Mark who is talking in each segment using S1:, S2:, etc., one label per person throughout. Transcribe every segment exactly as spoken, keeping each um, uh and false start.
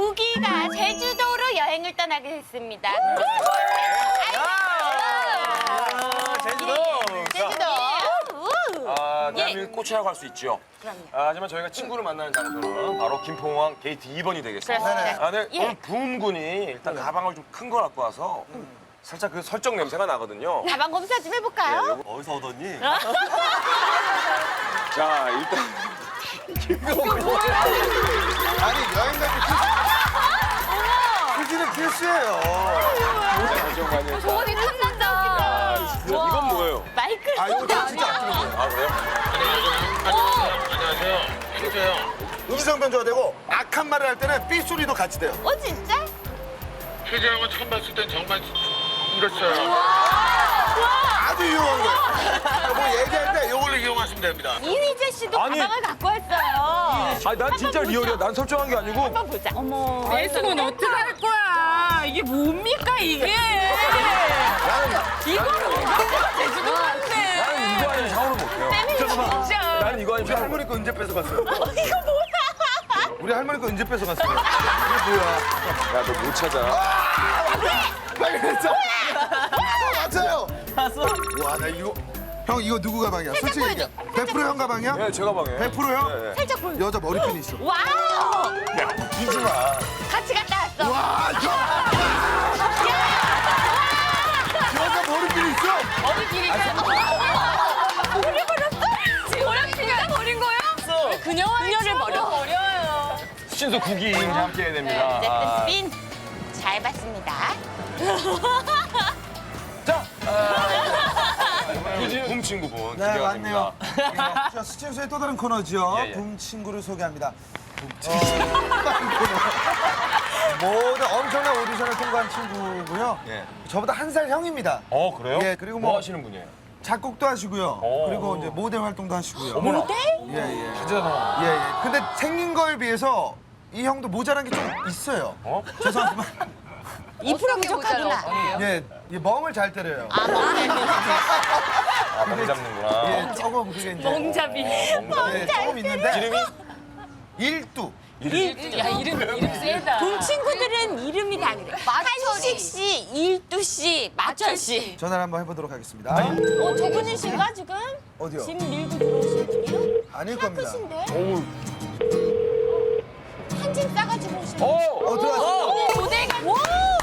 S1: 구기가 제주도로 여행을 떠나게 됐습니다.
S2: 제주도.
S1: 제주도.
S2: 아, 대한민국 꽃이라고 할 수 있죠.
S1: 그럼요.
S2: 아, 하지만 저희가 친구를 만나는 장소는 바로 김포공항 게이트 이 번이 되겠습니다.
S1: 그렇습니다.
S2: 아, 네,
S1: 예.
S2: 오늘 부음군이 일단 가방을 좀 큰 거 갖고 와서 살짝 그 설정 냄새가 나거든요.
S1: 가방 검사 좀 해볼까요?
S2: 네, 어디서 얻었니? 자, 일단
S3: 아니 여행 갈 때 휴지는 필수예요.
S2: 걱정 많이 했다.
S1: 어디 탐난다.
S2: 이거- 이건 뭐예요?
S1: 마이크.
S3: 아 이거 저 진짜 아끼는 거예요.
S2: 아, 그래요?
S4: 안녕하세요. 효재요.
S3: 음성 변조가 되고 악한 말을 할 때는 삐 소리도 같이 돼요.
S1: 어 진짜?
S4: 효재 형은 처음 봤을 땐 정말 이랬어요.
S3: 아주 유용한 거예요. 뭐 얘기할 때 요걸로
S4: 이용하시면 됩니다.
S1: 이휘재 씨도
S2: 아니.
S1: 가방을 갖고 왔어요.
S2: 아, 난 진짜
S1: 한번
S2: 리얼이야.
S1: 보자.
S2: 난 설정한 게 아니고.
S1: 한번 보자. 어머.
S5: 내 손은 어떻게 할 거야? 이게 뭡니까 이게? 이거를 어디다가 제주도 갔네.
S2: 나는 이거 아니면 샤워를 못해요.
S5: 진짜.
S2: 나는 이거 아니면
S3: 우리
S2: 샤워를
S3: 할머니 거 언제 뺏어갔어요?
S1: 이거 뭐야?
S3: 우리 할머니 거 언제 뺏어갔어요? 이게 뭐야?
S2: 야, 너 못 찾아.
S3: 빨리 했어. 맞아요. 봤어? 와, 나 이거 형 이거 누구 가방이야? 솔직히 얘기해. 백 퍼센트 형 가방이야?
S2: 네, 제 가방에.
S3: 백 퍼센트 형?
S2: 네.
S1: 살짝 보여.
S3: 여자 머리핀이 있어.
S1: 와우.
S2: 야, 웃기지 마.
S1: 같이 갔다 왔어.
S3: 와, 형! 여자 머리핀이 있어?
S5: 어디길이가
S1: 버려버렸어?
S5: 지금 진짜 버린 거야? 그녀와 그녀를 버려. 버려요.
S2: 신수 국이 이제 함께 해야 됩니다.
S1: 어쨌든
S2: 아.
S1: 스핀 잘 봤습니다.
S2: 자, 붐 친구분
S3: 네,
S2: 기대가
S3: 왔네요.
S2: 됩니다.
S3: 자, 스튜디오의 또 다른 코너죠.
S2: 예, 예.
S3: 붐 친구를 소개합니다. 붐 친구. 모두 엄청난 오디션을 통과한 친구고요.
S2: 예.
S3: 저보다 한 살 형입니다.
S2: 어, 그래요?
S3: 예, 그리고
S2: 뭐
S3: 뭐
S2: 하시는 분이에요?
S3: 작곡도 하시고요.
S2: 오.
S3: 그리고 이제 모델 활동도 하시고요.
S2: 어머나.
S3: 예, 예.
S2: 진짜
S3: 예, 예. 근데 생긴 거에 비해서 이 형도 모자란 게 좀 있어요.
S2: 어?
S3: 죄송하지만
S1: 이 프로 부족하구나.
S3: 예, 예, 멍을 잘 때려요.
S2: 아, 멍 잡는구나.
S3: 예, 조금 그게 이제
S5: 멍잡이.
S3: 예, 조금 있는데
S2: 이름이?
S3: 일두.
S5: 야 이름 이름 세다.
S1: 본 친구들은 이름이 다 그래. 한식 씨, 일두 씨, 마철 씨.
S3: 전화를 한번 해보도록 하겠습니다.
S1: 어, 저분이신가 지금?
S3: 어디요?
S1: 짐 밀고 들어오신 분이요?
S3: 아닐 겁니다.
S1: 크신데?
S2: 어우.
S1: 한 짐 싸가지고 오신
S2: 어!
S1: 분.
S3: 어, 들어왔어.
S1: 어, 모델가. 와!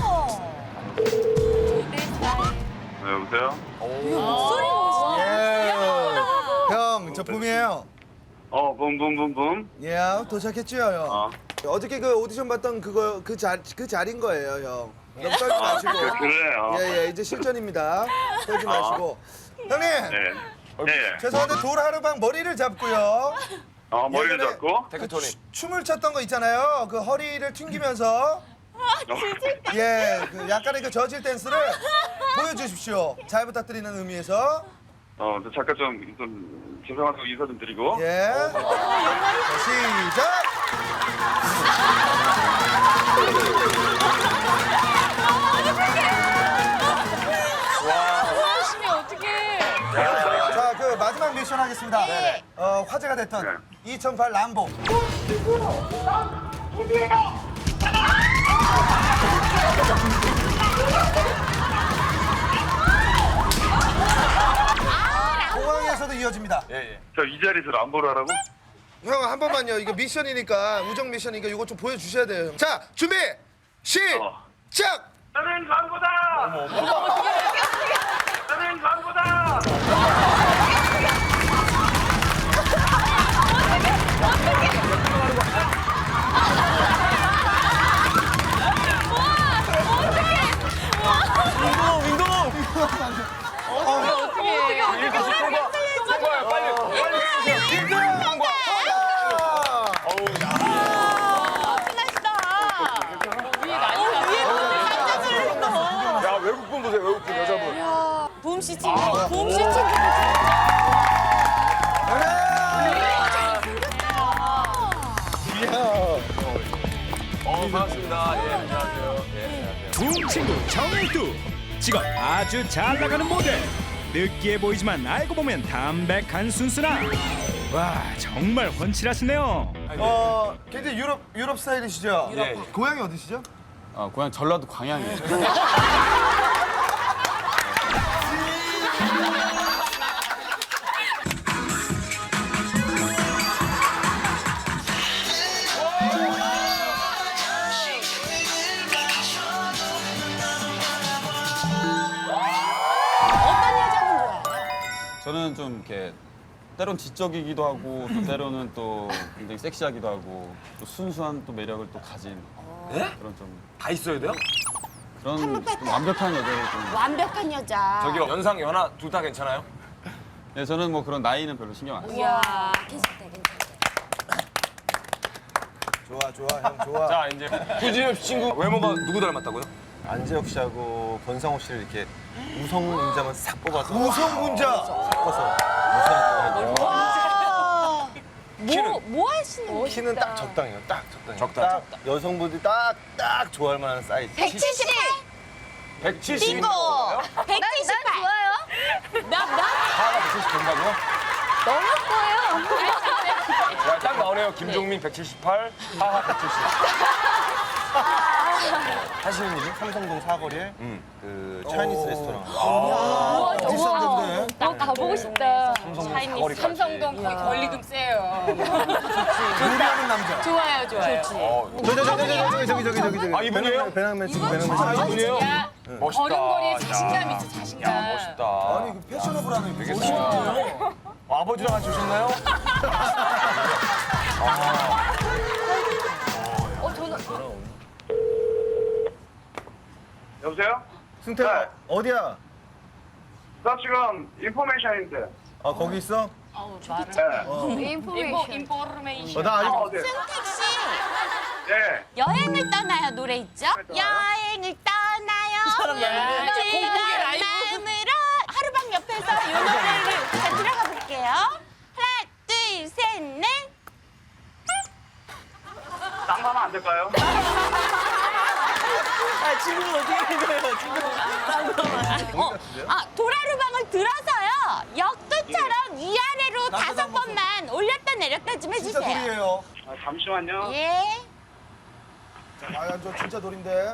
S4: 네, 여보세요?
S1: 목소리 멋있다.
S3: 예. 형, 저 붐이에요.
S4: 어, 붐붐붐붐.
S3: 예, 도착했죠, 형.
S4: 어.
S3: 어저께 그 오디션 봤던 그거 그 자, 그 자리인 거예요, 형. 너무 떨지 마시고.
S4: 그, 그래요.
S3: 예, 예, 이제 실전입니다. 떨지 마시고. 형님,
S4: 네. 네.
S3: 죄송한데 돌하루방 머리를 잡고요.
S4: 어, 머리를
S3: 예전에
S4: 잡고.
S2: 테크토니.
S3: 춤을 췄던 거 있잖아요. 그 허리를 튕기면서. 예, 그 약간의 그 저질 댄스를 보여주십시오. 잘 부탁드리는 의미에서.
S4: 어, 저 잠깐 좀, 좀 죄송하다고 인사 좀 드리고.
S3: 예. 자, 시작.
S5: 하시면 어떡해.
S3: 자, 그 마지막 미션 하겠습니다.
S1: 네.
S3: 어, 화제가 됐던
S4: 네.
S3: 이천팔 람보. 공항에서도 이어집니다.
S2: 예, 예.
S4: 저 이 자리에서 람보를 하라고?
S3: 형, 한 번만요. 이거 미션이니까, 우정 미션이니까 이거 좀 보여주셔야 돼요. 자, 준비! 시작!
S4: 어. 나는 람보다! 나는 람보다!
S2: 윈도우, 윈도우!
S5: 어떻게 어떻게
S2: 일곱 시 통과! 통과야, 빨리! 빨리 해주세요! 통과! 어우, 야.
S5: 위에 난리 났어.
S2: 야, 외국분 보세요, 외국분, 여자분.
S1: 봄씨 친구. 봄씨 친구.
S2: 어, 반갑습니다. 예, 안녕하세요. 예, 안녕하세요.
S6: 붐 친구 정일두 지금 아주 잘 나가는 모델 느끼해 보이지만 알고 보면 담백한 순수함 와 정말 훤칠하시네요
S3: 어, 굉장히 유럽 유럽 스타일이시죠?
S2: 예, 예.
S3: 고향이 어디시죠?
S7: 어, 고향 전라도 광양이에요.
S1: 어떤 여자분 좋아해요?
S7: 저는 좀 이렇게 때론 지적이기도 하고 또 때로는 또 굉장히 섹시하기도 하고 또 순수한 또 매력을 또 가진
S2: 예?
S7: 그런 좀
S2: 다 있어야 돼요?
S7: 그런 좀 완벽한 여자를 좀.
S1: 완벽한 여자.
S2: 저기요, 연상, 연하 둘 다 괜찮아요?
S7: 네, 저는 뭐 그런 나이는 별로 신경 안 써요.
S1: 이야, 괜찮다, 괜찮다.
S3: 좋아, 좋아, 형 좋아.
S2: 자, 이제 구진엽 친구 외모가 누구 닮았다고요?
S8: 안재혁 씨하고 권상우 씨를 이렇게 우성 문장을 싹 뽑아서
S3: 우성 문자.
S8: 섞어서 우성을
S1: 와.
S2: 키는?
S1: 뭐, 뭐 하시는 거예요?
S8: 키는 딱 적당해요. 딱 적당해요.
S2: 적당.
S8: 딱 여성분들이 딱, 딱 좋아할 만한 사이즈.
S1: 백칠십팔.
S2: 백칠십.
S1: bingo. 백칠십팔. 좋아요. 나, 나.
S2: 하나 백칠십 된다고요?
S1: 너무 커요.
S2: 야, 딱 나오네요. 김종민 백칠십팔, 하하 백칠십.
S8: 하시는 일이 삼성동 사거리에
S2: 음.
S8: 그 차이니스 레스토랑.
S3: 비싼데.
S5: 어, 가보고 싶다.
S2: 사거리까지.
S5: 삼성동 거의 권리금 세요.
S3: 요리하는 남자.
S5: 좋아요, 좋아요.
S2: 어,
S8: 저기 저기 저기 저기 저기 저기 저기 저기.
S2: 아, 이분이에요?
S8: 배낭맨 친구 배낭맨
S2: 아,
S8: 친구.
S2: 이분이에요?
S5: 야,
S2: 멋있다.
S5: 걸음걸이에
S2: 야.
S5: 자신감 있어, 자신감.
S2: 야, 멋있다.
S3: 아니, 그 패셔너블하네.
S2: 되겠다. 어, 아버지랑 같이 오셨나요?
S5: 어, 저는
S4: 여보세요?
S8: 승태야
S4: 네.
S8: 어디야?
S4: 나 지금 인포메이션인데.
S8: 아 거기 있어?
S4: 네.
S5: 인포, 인포메이션.
S8: 어, 나 아직
S4: 어디?
S1: 승택 씨,
S4: 예.
S1: 여행을 떠나요 노래 있죠? 여행을 떠나요.
S5: 야, 저 공복의
S1: 즐거운
S5: 라이브.
S1: 마음으로 하루방 옆에서 이 노래를 잘 들어가 볼게요. 하나, 둘, 셋, 넷.
S4: 딴 거 하면 안 될까요?
S1: 어, 아, 도라루방을 들어서요. 역도처럼 위아래로 다섯 번만 올렸다 내렸다 좀
S3: 진짜
S1: 해주세요.
S3: 돌이에요.
S4: 아, 잠시만요.
S1: 예.
S3: 아, 저 진짜 돌인데.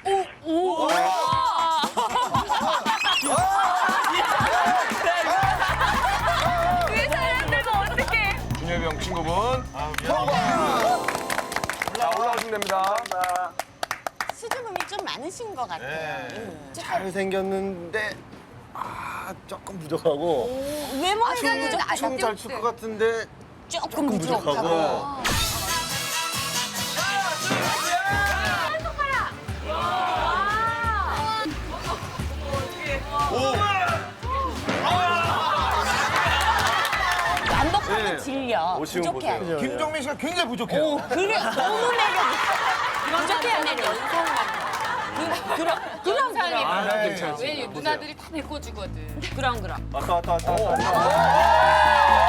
S5: 그 사람들도 어떡해.
S2: 준엽이 형 친구분. 자, 올라오시면 됩니다.
S1: 수줍음이 좀 많으신 것 같아요.
S8: 잘 생겼는데 아 조금 부족하고.
S1: 외모에는 부족하죠.
S8: 춤잘 출 것 같은데
S1: 조금 부족하고.
S8: 부족하고.
S1: 완벽하게 질려.
S8: 오시면
S1: 부족해.
S8: 보세요.
S3: 김종민 씨가 굉장히 부족해요.
S1: 오, 그래. 너무 매력 있어. 부족해요, 매력. 그, 그럼, 그럼, 그럼.
S2: 아,
S3: 네.
S2: 괜찮지.
S5: 왜 누나들이 다 메꿔주거든.
S1: 그럼, 그럼.
S8: 왔다 왔다 왔다 왔다.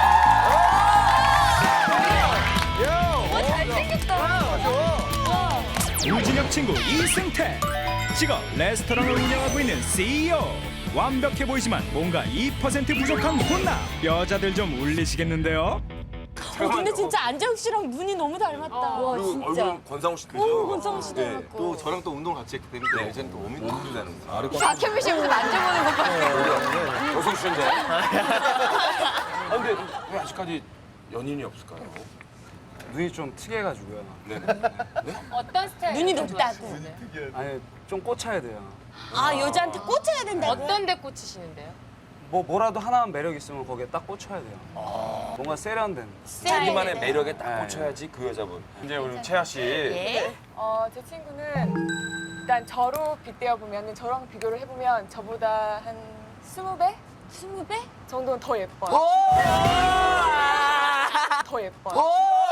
S6: 우진혁 친구 이승태. 직업 레스토랑을 운영하고 있는 씨이오. 완벽해 보이지만 뭔가 이 퍼센트 부족한 혼나. 여자들 좀 울리시겠는데요?
S1: 어, 근데 진짜 안재욱 씨랑 눈이 너무 닮았다. 와,
S2: 그리고
S1: 진짜.
S2: 얼굴은 권상우 씨
S1: 오,
S2: 닮으세요.
S1: 권성우 씨
S8: 네,
S1: 닮았고.
S8: 또 저랑 또 운동을 같이 했기 때문에 이제는 또 워밍업도 되는 거예요.
S5: 박현미 씨부터 만져보는 것 같아.
S2: 여성 씨인데. 아, 근데 왜 아직까지 연인이 없을까요?
S9: 눈이 좀 특이해가지고요.
S2: 네네.
S5: 어떤 스타일?
S1: 눈이 높다고.
S9: 아니 좀 꽂혀야 돼요.
S1: 아, 여자한테 꽂혀야 된다고?
S5: 어떤 데 꽂히시는데요?
S9: 뭐 뭐라도 하나만 매력 있으면 거기에 딱 꽂혀야 돼요. 뭔가 세련된.
S2: 자기만의 매력에 딱
S9: 네.
S2: 꽂혀야지 그 여자분. 이제 우리 채아 씨.
S1: 예.
S10: 어, 제 친구는 일단 저로 빗대어 보면 저랑 비교를 해보면 저보다 한 스무 배
S1: 스무 배?
S10: 정도는 더 예뻐요. 더 예뻐요.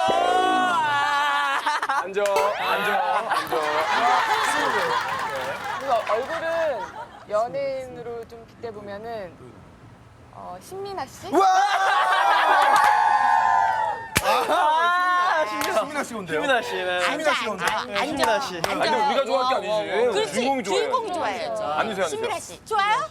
S2: 앉아, 앉아, 앉아.
S10: 그리고 얼굴은 연예인으로 좀 빗대 보면은 어, 신민아 씨?
S3: 수민아 씨 온대요.
S8: 수민아 씨는
S1: 앉아,
S3: 씨가
S1: 앉아. 앉아.
S8: 수민아 씨.
S1: 앉아.
S2: 아니, 근데 우리가 좋아할 게 아니지.
S1: 그렇지.
S2: 주인공이 좋아해.
S1: 주인공이 좋아야죠.
S2: 앉으세요, 앉으세요.
S1: 신미라 씨. 좋아요?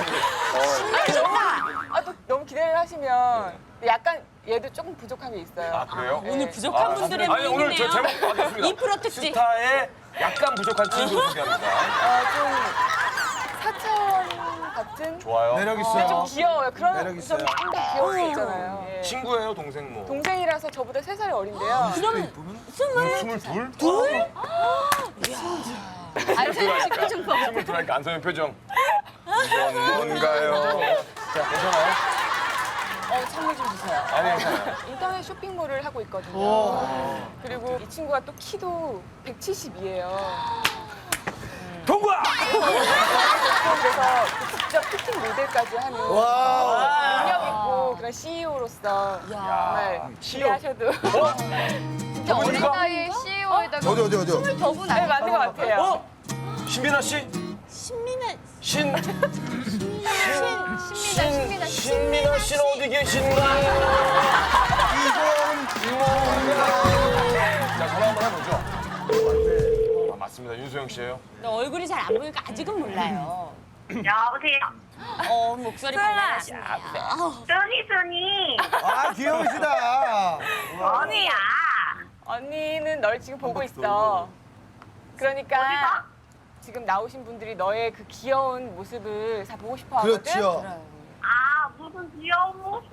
S10: 아, 또 너무 기대를 하시면 약간 얘도 조금 부족한 게 있어요.
S2: 아, 그래요?
S10: 네.
S1: 오늘 부족한 분들의
S2: 아니, 오늘 저
S1: 모임이네요.
S2: 제목 받았습니다.
S1: 이 프로 특집.
S2: 스타의 약간 부족한 친구를 소개합니다.
S10: 어, 좀 사차원 같은?
S2: 좋아요.
S3: 매력
S10: 좀
S3: 있어요.
S10: 귀여워요. 그런
S3: 매력
S10: 좀
S3: 있어요.
S10: 좀 더 귀여울 수 있잖아요. 예.
S2: 친구예요, 동생 뭐?
S10: 동생이라서 저보다 세 살이 어린데요.
S1: 그럼 스물
S2: 스물둘?
S1: 둘?
S2: 스물둘하니까 스물둘하니까 안소연 표정. 이건 뭔가요? 자, 괜찮아요?
S10: 어, 선물 좀 주세요.
S2: 아니, 괜찮아요.
S10: 인터넷 쇼핑몰을 하고 있거든요. 그리고 이 친구가 또 키도 백칠십이에요.
S2: 통과!
S10: 그래서 직접 피팅 모델까지 하는
S3: 와.
S10: 능력 있고 그런 씨이오로서 정말 기대하셔도
S5: 진짜 어린 나이에 씨이오에다가
S3: 어디 어디 어디.
S5: 더분
S10: 네, 맞는 것 같아요.
S2: 어? 신민아 씨?
S1: 신민아
S2: 신,
S5: 신민아, 신민아,
S2: 신민아 씨는 어디 계신가요? 자, 전화 한번 해보죠. 아, 맞습니다. 윤소영 씨예요.
S1: 너 얼굴이 잘 안 보니까 아직은 몰라요.
S11: 여보세요.
S1: 어 목소리 밝아지네요.
S11: 써니 써니.
S3: 아 귀여우시다.
S11: 언니야.
S10: 언니는 널 지금 보고 있어. 그러니까
S11: 어디서?
S10: 지금 나오신 분들이 너의 그 귀여운 모습을 다 보고 싶어 하거든.
S3: 그렇죠.
S11: 아 무슨 귀여운 모습.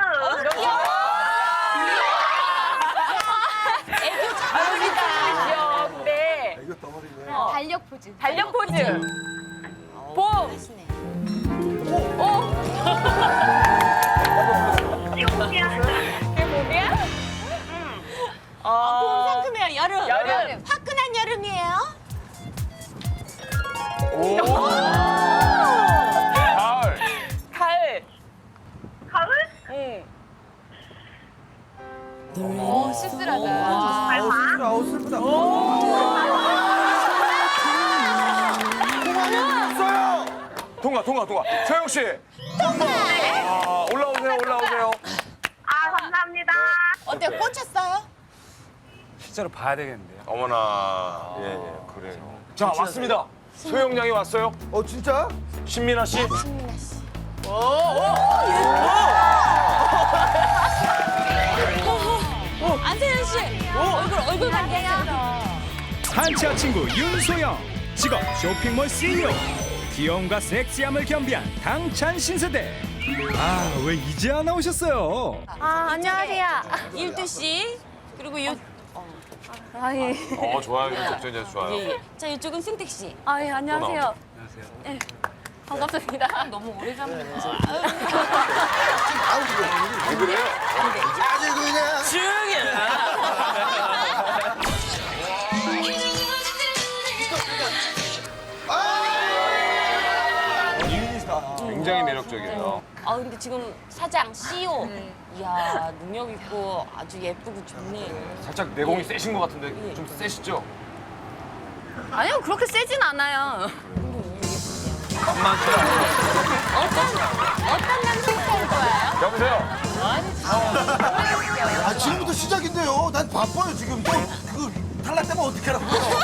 S1: 애교 잘하니까.
S10: 귀여워. 근데
S3: 이거 덩어리네.
S10: 어,
S5: 달력 포즈.
S10: 달력 포즈. 봄.
S1: 하시네.
S11: 귀여우야.
S10: 그게 봄이야?
S11: 응.
S10: 어.
S1: 봄 상큼해요. 여름.
S10: 여름.
S1: 화끈한 여름이에요.
S2: 가을.
S10: 가을.
S11: 가을?
S10: 응.
S5: 오, 쓸쓸하다.
S11: 밟아.
S3: 아우 슬프다.
S2: 통과, 통과, 통과. 소영 씨. 통과. 아, 올라오세요, 올라오세요.
S11: 아 감사합니다.
S1: 어때요? 꽂혔어요?
S9: 실제로 봐야 되겠는데요.
S2: 어머나. 예, 예, 그래요. 자, 왔습니다. 소영 양이 왔어요.
S3: 어 진짜?
S2: 신민아 씨.
S1: 신민아 씨. 안세현 씨. 얼굴 얼굴 관계야.
S6: 한치아 친구 윤소영, 직업 쇼핑몰 씨이오, 귀여움과 섹시함을 겸비한 당찬 신세대. 아, 왜 이제야 나오셨어요?
S5: 아, 안녕하세요.
S1: 일두 씨. 그리고 요
S5: 아, 예.
S2: 어, 좋아요. 이런 적전자 좋아요.
S1: 예, 예. 자 이쪽은 승택 씨.
S5: 아, 예, 안녕하세요.
S9: 안녕하세요.
S5: 네. 반갑습니다.
S1: 너무 오래 잡는 거.
S2: 왜 그래요?
S3: 아주 그냥.
S2: 굉장히 매력적이에요.
S1: 아 근데 지금 사장 씨이오. 이야 능력 있고 아주 예쁘고 좋네.
S2: 살짝 내공이 세신 것 같은데 좀 세시죠?
S5: 아니요, 그렇게 세진 않아요.
S1: 어떤 남성 스타일 좋아요?
S2: 여보세요?
S3: 아 지금부터 시작인데요. 난 바빠요 지금. 또그 탈락되면 어떡하라고.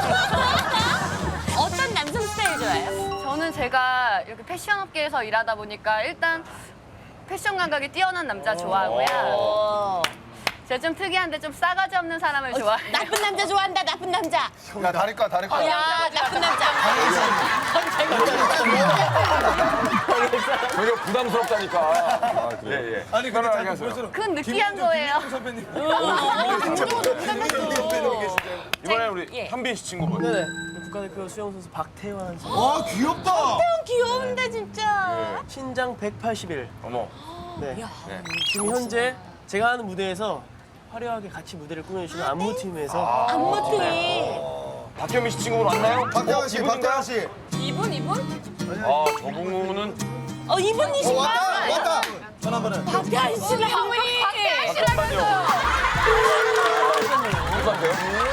S1: 어떤 남성 스타일 좋아해요?
S5: 저는 제가 이렇게 패션 업계에서 일하다 보니까 일단 패션 감각이 뛰어난 남자 좋아하고요.
S1: 어.
S5: 제가 좀 특이한데 좀 싸가지 없는 사람을 좋아해요.
S1: 나쁜 남자 좋아한다. 나쁜 남자.
S3: 야 다리까 다리까.
S1: 야 나쁜 남자.
S2: 전혀 부담스럽다니까. 아, 예, 예.
S3: 아니 근데
S2: 편안하게
S3: 자꾸
S2: 하세요.
S3: 볼수록
S5: 그건 느끼한 거예요.
S3: 선배님.
S2: 이번에 우리
S1: 예.
S2: 현빈 씨 친구분.
S12: 국가대표 수영 선수 박태환 선수.
S3: 와 귀엽다.
S1: 귀여운데 진짜.
S12: 신장 백팔십일.
S2: 어머.
S12: 네. 지금 현재 제가 하는 무대에서 화려하게 같이 무대를 꾸며주시는 안무팀에서
S1: 안무팀이.
S2: 박현민 씨 친구분 왔나요?
S3: 박태환 씨,
S2: 이분인가요?
S3: 박태환 씨.
S1: 이분 이분?
S2: 아, 저분은
S1: 어
S3: 어
S1: 이분이신가?
S3: 왔다 왔다. 전화 한번 해.
S1: 박태환 씨는 한분이.
S2: 잠깐만요. 누구세요?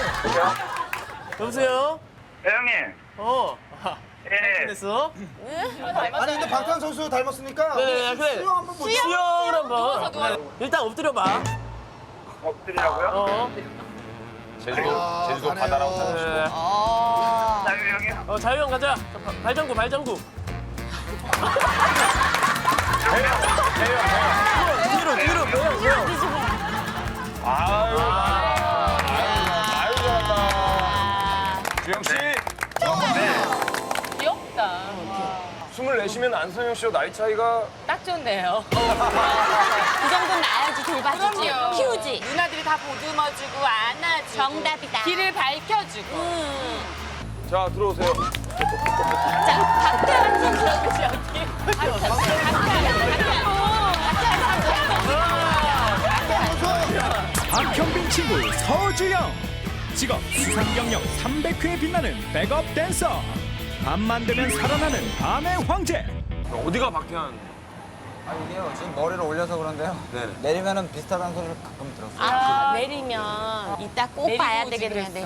S12: 여보세요?
S4: 네, 형님.
S12: 어.
S4: 예.
S12: 됐어?
S3: 아니 근데 박태환 선수 닮았으니까.
S12: 네, 그래.
S3: 수영 한번 보자.
S12: 수영을 한번. 네. 일단 엎드려봐.
S4: 엎드리라고요?
S12: 어.
S2: 제주도,
S3: 아,
S2: 제주도
S3: 잘해요.
S2: 바다라고 하시고.
S12: 네.
S1: 어.
S4: 자유 형이요?
S12: 어, 자유형 가자. 자, 바- 발전구, 발전구. 뒤로 뒤로 뭐야 뭐야.
S2: 아유, 아유, 잘한다. 주영 씨,
S10: 귀엽다.
S2: 스물넷이면 안성현 씨와 나이 차이가
S10: 딱 좋네요.
S1: 그 정도는 나야지 돌봐주지.
S10: 그럼요.
S1: 키우지.
S10: 누나들이 다 보듬어주고 안아주고
S1: 정답이다.
S10: 길을 밝혀주고.
S2: 자 들어오세요.
S1: 자, 박태환 선수.
S6: 박현빈 친구 서주영. 직업 수상 경력 삼백 회에 빛나는 백업 댄서. 밤만 되면 살아나는 밤의 황제.
S2: 어디가 박태환?
S13: 아 이게요 지금 머리를 올려서 그런데요.
S2: 네네.
S13: 내리면은 비슷하다는 소리를 가끔 들었어요.
S1: 아, 내리면 이따 꼭
S10: 내리고
S1: 봐야
S10: 오지
S1: 되겠네.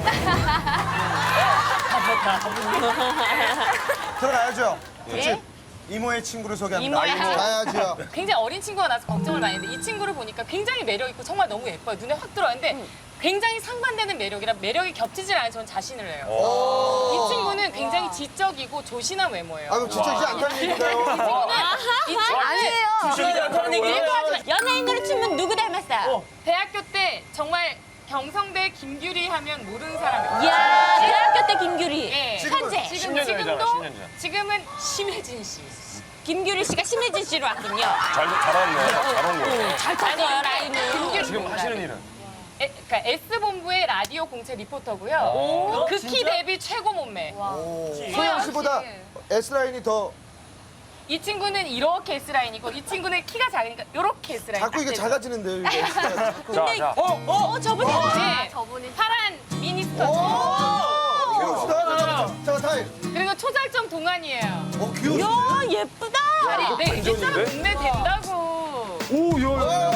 S3: 들어가야죠.
S1: 예?
S3: 이모의 친구를 소개합니다.
S10: 이모야.
S3: 이모. 가야죠.
S10: 굉장히 어린 친구가 나서 걱정을 많이 했는데 이 친구를 보니까 굉장히 매력 있고 정말 너무 예뻐요. 눈에 확 들어왔는데 굉장히 상반되는 매력이라 매력이 겹치질 않아서 저는 자신을 해요. 이 친구는 굉장히 지적이고 조신한 외모예요.
S3: 아 그럼 진짜 이제 안타는 얘기인가요?
S10: 이 친구는
S1: 아니에요.
S3: 주식이 안타는 얘기예요?
S1: 연예인으로 치면 누구 닮았어요?
S10: 대학교 때 정말 경성대 김규리 하면 모르는 사람이에요.
S1: 이야, 대학교 때 김규리.
S10: 예.
S1: 현재.
S10: 지금
S2: 십 년 전이잖아,
S10: 지금도
S2: 십 년 전.
S10: 지금은 심혜진 씨.
S1: 김규리 씨가 심혜진 씨로 왔군요.
S2: 잘 잘하네. 잘한 거.
S1: 잘 탔어요, 라인을.
S10: 김규리
S2: 지금 하시는 일은?
S10: 에, 그러니까 S본부의 라디오 공채 리포터고요. 극히 데뷔 최고 몸매.
S3: 소영 씨보다 S라인이 더
S10: 이 친구는 이렇게 S라인이고 이 친구는 키가 작으니까 이렇게 S라인.
S3: 자꾸 이게 작아지는데요. 이게 S가 자꾸.
S2: 자, 자.
S1: 어, 어, 저분이.
S10: 네, 저분이 파란 미니스커트.
S3: 귀여우시다. 잠깐만. 잠깐 타임.
S10: 그리고 초절정 동안이에요.
S3: 어 귀여우시네.
S1: 이야, 예쁘다.
S10: 다리, 네, 이 사람
S2: 반전인데?
S10: 몸매 된다고.
S2: 오, 야,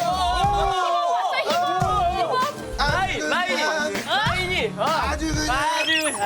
S3: 아주
S12: 라인이
S3: 그냥
S12: 라인이 아,
S3: 아주 그냥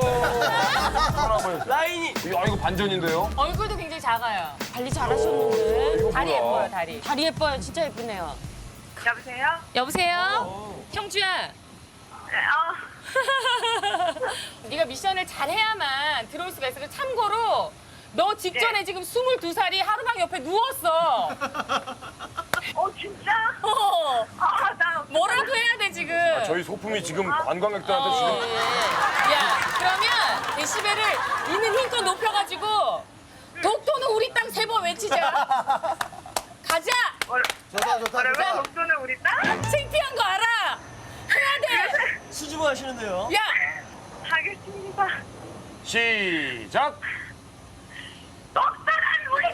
S12: 아주 라인이.
S2: 야, 이거 반전인데요?
S10: 얼굴도 굉장히 작아요.
S1: 관리 잘하셨는데.
S10: 다리
S2: 뭐야.
S10: 예뻐요, 다리.
S1: 다리 예뻐요. 진짜 예쁘네요.
S11: 여보세요?
S10: 여보세요? 형주야.
S11: 네, 어,
S10: 네가 미션을 잘해야만 들어올 수가 있어. 그래서 참고로 너 직전에 지금 스물두 살이 하루방 옆에 누웠어.
S11: 어 진짜?
S10: 어.
S11: 아, 나
S10: 뭐라도 해야 돼 지금.
S2: 저희 소품이 지금 관광객들한테 지금
S10: 야, 그러면 데시벨을 있는 힘껏 높여가지고 독도는 우리 땅 세 번 외치자. 가자.
S3: 좋다 좋다
S11: 그러면
S3: 좋다.
S11: 독도는 우리 땅?
S10: 창피한 거 알아. 해야 돼.
S12: 수줍어 하시는데요.
S10: 야,
S11: 하겠습니다.
S2: 시작.
S11: 독도는 우리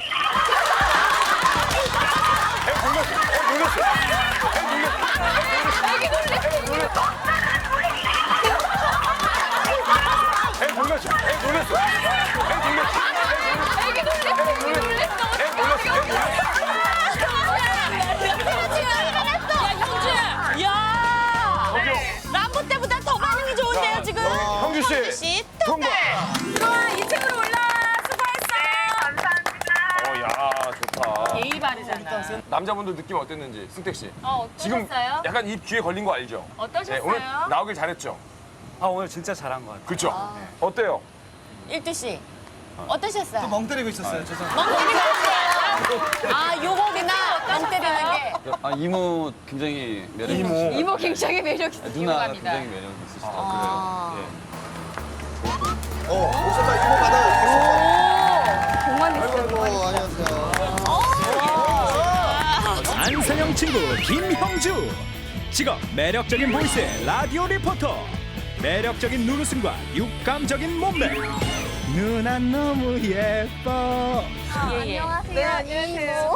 S2: 해 돌렸어. 해 돌렸어. 해 돌렸어. 해 돌렸어. 해 돌렸어. 해 돌렸어.
S10: 애기 놀랬어.
S2: 해 돌렸어. 해 돌렸어.
S10: 야, 형주야. 야.
S1: 람보 때보다 더 반응이 좋은데요, 지금.
S2: 형주 씨.
S1: 씨,
S2: 통과.
S10: 들어와, 이 층으로 올라. 수고했어.
S11: 감사합니다.
S2: 어, 야, 좋다.
S10: 예의 바르잖아.
S2: 남자분들 느낌 어땠는지, 승택 씨.
S10: 어,
S2: 지금
S10: 어떠셨어요?
S2: 약간 입 귀에 걸린 거 알죠?
S10: 어떠셨어요?
S2: 오늘 나오길 잘했죠?
S9: 아 오늘 진짜 잘한 것 같아요.
S2: 그렇죠? 어때요?
S1: 일두 씨. 어떠셨어요?
S3: 멍 때리고 있었어요. 죄송합니다.
S1: 멍 때리는 거. 아, 요거구나. 멍 때리는 게.
S7: 아 이모 굉장히 매력 있으시고
S2: 이모.
S10: 이모 굉장히 매력 있어.
S7: 누나가 굉장히 매력 있으시다고
S1: 아.
S7: 그래요.
S3: 어 오셨다 이모 받아요.
S10: 공만
S3: 아이고
S10: 있어.
S3: 아이고 안녕하세요.
S6: 안선영 친구 김형주. 직업 매력적인 보이스의 라디오 리포터. 매력적인 눈웃음과 육감적인 몸매. 누나 너무 예뻐.
S1: 예, 예.
S10: 네, 안녕하세요.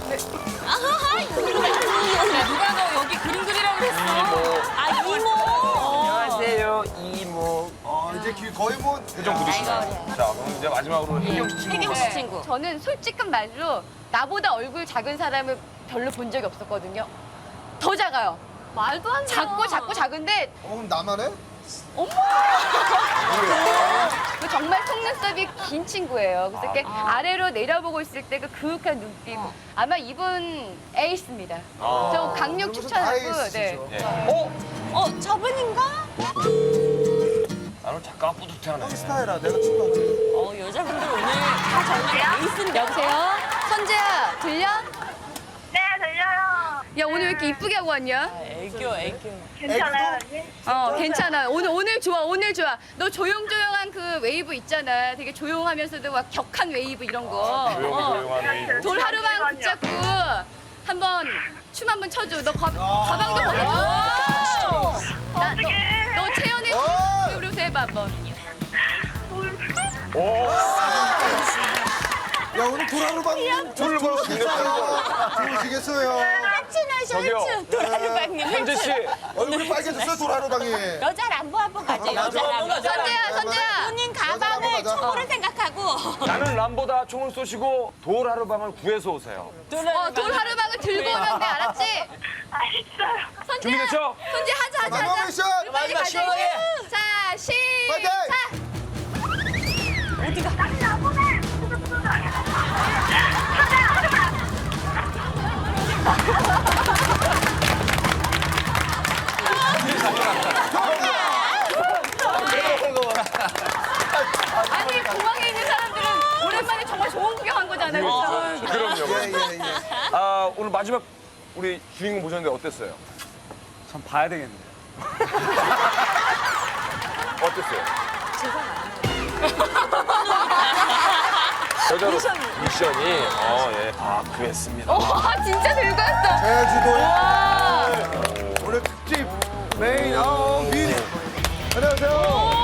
S10: 야, 누가 너 여기 그림 그리라고 그랬어?
S1: 아, 이모.
S12: 안녕하세요 이모.
S3: 어 이제 귀 거의 뭐
S2: 표정 굳으시나요? 자, 그럼 이제 마지막으로 혜경 씨 친구.
S1: 혜경 씨 친구.
S5: 저는 솔직한 말로 나보다 얼굴 작은 사람을 별로 본 적이 없었거든요. 더 작아요. 말도 안 돼. 작고 작고 작은데
S3: 어 그럼 나만 해?
S5: 그 정말 속눈썹이 긴 친구예요. 그래서 이렇게 아래로 내려보고 있을 때 그 그윽한 눈빛. 아마 이분 에이스입니다. 저 강력
S3: 그러면서
S5: 추천하고.
S3: 다
S5: 네.
S3: 에이스죠.
S2: 예. 어?
S1: 어, 저분인가?
S2: 나는 작가가 뿌듯해하네.
S3: 스타일아, 내가 친구한테.
S1: 어, 여자분들 오늘 다 정말 에이스인데.
S5: 여보세요? 선재야, 들려?
S11: 네, 들려요.
S5: 야, 오늘 왜 이렇게 이쁘게 하고 왔냐?
S1: 애교, 애교.
S11: 괜찮아요, 언니?
S5: 어, 괜찮아. 오늘, 오늘 좋아, 오늘 좋아. 너 조용조용한 그 웨이브 있잖아. 되게 조용하면서도 막 격한 웨이브 이런 거.
S2: 조용조용한 웨이브.
S5: 돌 하루방 붙잡고 한번 춤 한번 춰줘. 너 가, 가방도 벗어. 나, 너, 너 채연의
S3: 어!
S5: 우리 해봐 한번.
S3: 야, 오늘 도라루방
S2: 둘을
S3: 좋으시겠어요. 좋으시겠어요.
S2: 저기요.
S1: 셔츠, 도라루방님.
S2: 현재 씨.
S3: 얼굴이 빨개졌어요, 도라루방이.
S1: 여자 람보 한번 가죠, 여자 람보.
S5: 선재야, 선재야.
S1: 본인
S3: 여자 람보
S1: 가방을
S3: 가자.
S1: 총으로 생각하고.
S2: 나는 람보다 총을 쏘시고 돌 하루방을 구해서 오세요.
S5: 어, 돌 하루방을 들고 오면 돼, 알았지?
S11: 알겠어요.
S5: 선재야.
S2: 준비됐죠?
S5: 선재 하자, 하자,
S3: 마지막
S5: 하자.
S3: 미션.
S5: 빨리 가자. 자, 시작.
S11: 다시 나보내.
S5: 아니, 공항에 있는 사람들은 오랜만에 정말 좋은 구경한 거잖아요. 그렇죠?
S2: 그럼요.
S3: 예, 예, 예.
S2: 아, 오늘 마지막 우리 주인공 보셨는데 어땠어요?
S9: 참 봐야 되겠네요.
S2: 어땠어요? 여자로 미션이 어, 예. 아, 구했습니다.
S5: 와, 진짜 들고 왔어.
S3: 제주도에
S5: 와.
S3: 오늘 특집 메인 어 민. 안녕하세요.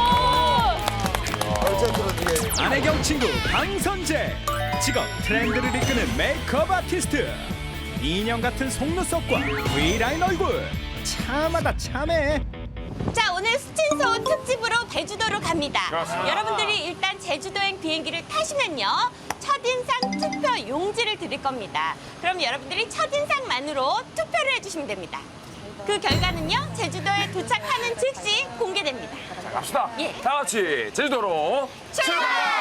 S3: 어,
S6: 안혜경 친구 강선재. 직업 트렌드를 이끄는 메이크업 아티스트. 인형 같은 속눈썹과 V라인 얼굴. 참하다 참해.
S1: 자, 오늘 수친소 특집으로 제주도로 갑니다.
S2: 그렇습니다.
S1: 여러분들이 일단 제주도행 비행기를 타시면요. 첫인상 투표 용지를 드릴 겁니다. 그럼 여러분들이 첫인상만으로 투표를 해주시면 됩니다. 그 결과는요. 제주도에 도착하는 즉시 공개됩니다.
S2: 갑시다.
S1: 예.
S2: 다 같이 제주도로
S1: 출발!